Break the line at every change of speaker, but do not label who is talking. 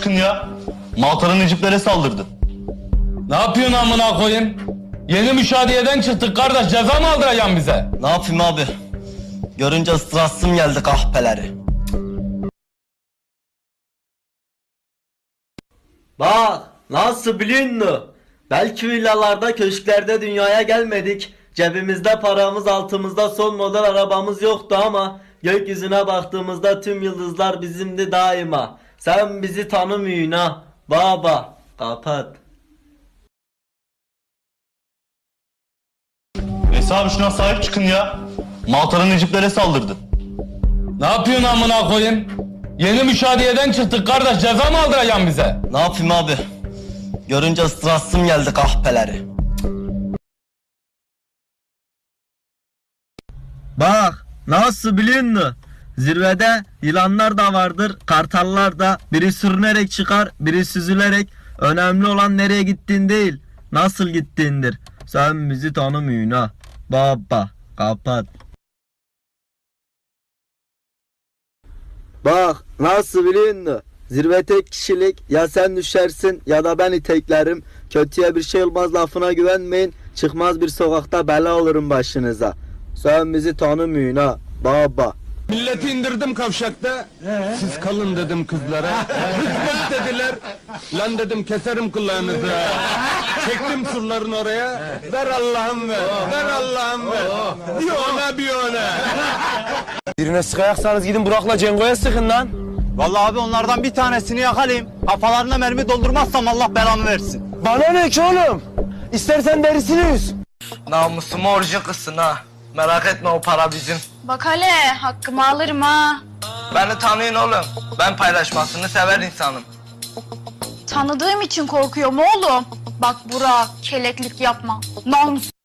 çıkın ya. Maltalı Neciplere saldırdı.
Ne yapıyorsun amına koyayım? Yeni müşahededen çıktık kardeş, ceza mı aldıracaksın bize?
Ne yapayım abi? Görünce ıstırasım geldi kahpeleri. Bak nasıl biliyor musun? Belki villalarda, köşklerde dünyaya gelmedik. Cebimizde paramız, altımızda son model arabamız yoktu ama gökyüzüne baktığımızda tüm yıldızlar bizimdi daima. Sen bizi tanımıyorsun ha. Baba kapat.
Neyse abi şuna sahip çıkın ya. Maltalı Neciplere saldırdı.
Ne yapıyorsun amına koyayım? Yeni müşahededen çıktık kardeş, ceza mı aldıracaksın bize?
Ne yapayım abi? Görünce ıstırasım geldi kahpeleri. Bak nasıl biliyor musun? Zirvede yılanlar da vardır, kartallar da. Biri sürünerek çıkar, biri süzülerek. Önemli olan nereye gittiğin değil, nasıl gittiğindir. Sen bizi tanımıyorsun ha. Baba kapat. Bak nasıl biliyor musun? Zirve tek kişilik, ya sen düşersin ya da ben iteklerim. Kötüye bir şey olmaz lafına güvenmeyin. Çıkmaz bir sokakta bela olurum başınıza. Sen bizi tanımıyorsun ha baba.
Milleti indirdim kavşakta. Siz kalın dedim kızlara. Hizmet dediler. Lan dedim keserim kulağınızı. Çektim surların oraya. Ver Allah'ım ver. Ver Allah'ım ver. Bir ona bir ona.
Birine sıkayaksanız gidin Burak'la Cengo'ya sıkın lan.
Vallahi abi onlardan bir tanesini yakalayayım. Kafalarına mermi doldurmazsam Allah belamı versin.
Bana ne ki oğlum? İstersen derisini yüz.
Namusumu orucu kızsın ha. Merak etme o para bizim.
Bak hele hakkımı alırım ha.
Beni tanıyın oğlum. Ben paylaşmasını sever insanım.
Tanıdığım için korkuyorum oğlum. Bak Burak keleklik yapma. Namus.